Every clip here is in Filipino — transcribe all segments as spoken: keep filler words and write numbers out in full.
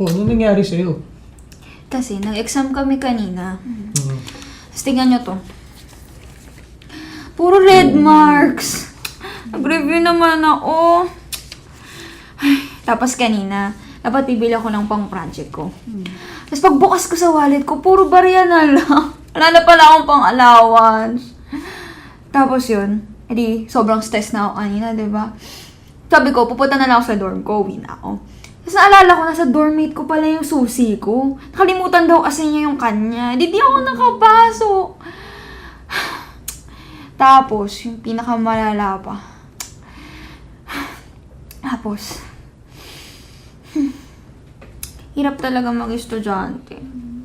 Oh, ano nangyari sa'yo? Kasi nag-exam kami kanina. Mm. Tapos tingnan nyo to. Puro red marks. Nag-review naman ako. Ay, tapos kanina, dapat bibili ako ng pang-project ko. Tapos pagbukas ko sa wallet ko, puro barya na lang. Wala na pala akong pang-allowance. Tapos yun, edi sobrang stress na ako kanina, diba? Sabi ko, pupunta na lang ako sa dorm ko, uwi na ako. Tapos naalala ko, nasa dormmate ko pala yung susi ko. Nakalimutan daw kasi niya yung kanya. Di di ako nakapasok. Tapos, yung pinakamalala pa. Tapos, hmm, hirap talaga mag-estudyante.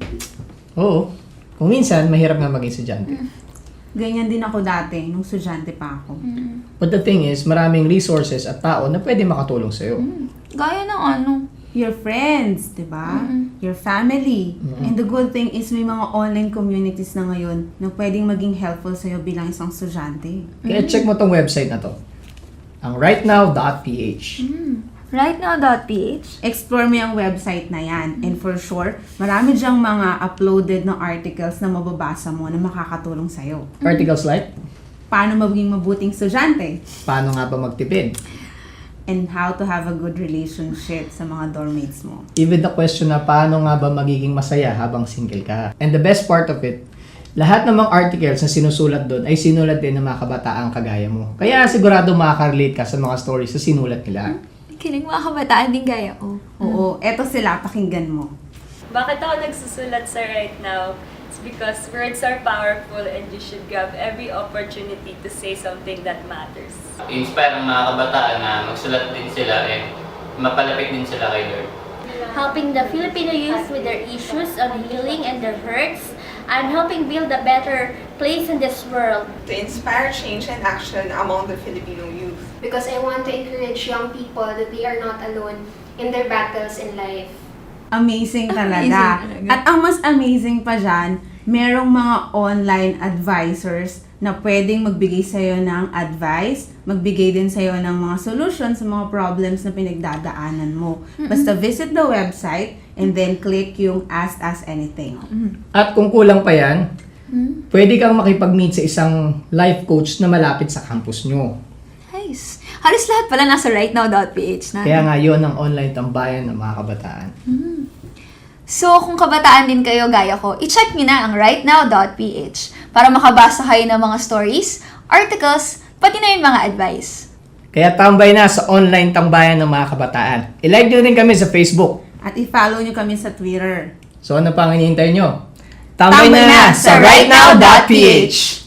Oo. Kung minsan, mahirap nga maging estudyante. Ganyan din ako dati, nung estudyante pa ako. But the thing is, maraming resources at tao na pwede makatulong sa'yo. Gaya ng ano. Your friends, di ba? Mm-mm. Your family. Mm-mm. And the good thing is may mga online communities na ngayon na pwedeng maging helpful sa'yo bilang isang estudyante. Kaya check mo tong website na to. Ang rightnow dot p h. Rightnow.ph? Explore mo yung website na yan. And for sure, marami dyang mga uploaded na articles na mababasa mo na makakatulong sa'yo. Articles like, Paano maging mabuting estudyante? paano nga ba magtipid? And how to have a good relationship sa mga dormmates mo. Even the question na paano nga ba magiging masaya habang single ka. And the best part of it, lahat ng mga articles na sinusulat doon ay sinulat din ng mga kabataang kagaya mo. Kaya sigurado makaka-relate ka sa mga stories na sinulat nila. Kinig mga kabataan din gaya ko. Oo, eto sila, pakinggan mo. Bakit ako nagsusulat sa Right Now? It's because words are powerful and you should grab every opportunity to say something that matters. I-inspire ang mga kabataan na magsulat din sila and mapalapit din sila kay Lord. Helping the Filipino youth with their issues on healing and their hurts. I'm helping build a better place in this world. To inspire change and action among the Filipino youth. Because I want to encourage young people that they are not alone in their battles in life. Amazing talaga. Amazing talaga. At ang mas amazing pa dyan, merong mga online advisors na pwedeng magbigay sa'yo ng advice, magbigay din sa'yo ng mga solutions sa mga problems na pinagdadaanan mo. Basta visit the website and then click yung Ask Us Anything. At kung kulang pa yan, pwede kang makipag-meet sa isang life coach na malapit sa campus nyo. Nice. Halos lahat pala nasa rightnow.ph na. Kaya nga yun ang online tambayan ng mga kabataan. So, kung kabataan din kayo gaya ko, i-check nyo na ang rightnow.ph para makabasa kayo ng mga stories, articles, pati na yung mga advice. Kaya tambay na sa online tambayan ng mga kabataan. I-like nyo din kami sa Facebook. At i-follow nyo kami sa Twitter. So ano pang hinihintay nyo? Tambay, Tambay na, na sa sa rightnow dot p h.